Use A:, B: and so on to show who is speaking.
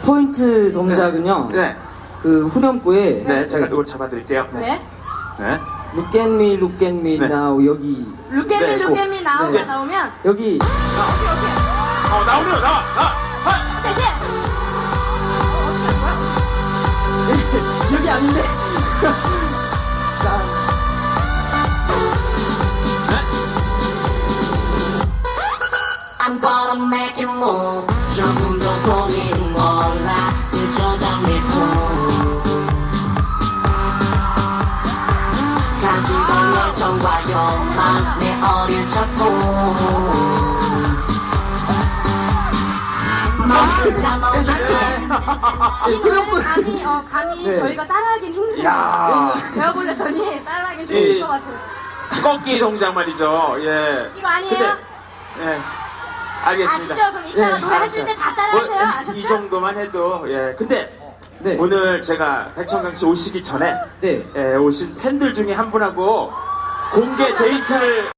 A: 포인트 동작은요.
B: 네.
A: 그 후렴구에
B: 네, 제가 이걸 잡아드릴게요.
C: 네.
B: 네.
A: Look at me, look at me
B: 네.
A: now 여기
C: 루게미
B: 네,
C: 루게미 나오가
A: 네.
C: 나오면
A: 여기
B: 나오네요, 나와.
C: 대신
A: 여기 아닌데. 자,
D: I'm gonna make it move. 조금 더 고민은 몰라. 그저 당일 뿐. 가지고 열정과 욕망 내 어릴 적 꿈. 멈춘 잠없이
C: 이 노래는 감히
A: 네.
C: 저희가 따라하긴 힘들어요.
B: 야.
C: 배워보려더니 따라하긴 좀
B: 이-
C: 힘들 것 같아요.
B: 꺾기 동작 말이죠. 예.
C: 이거 아니에요?
B: 예. 알겠습니다.
C: 아시죠? 그럼 이따가
A: 네,
C: 노래 하실 때 다 따라하세요. 아셨죠?
B: 이 정도만 해도, 예. 근데,
A: 네.
B: 오늘 제가 백천강 씨 오시기 전에,
A: 네.
B: 예, 오신 팬들 중에 한 분하고 공개 데이트를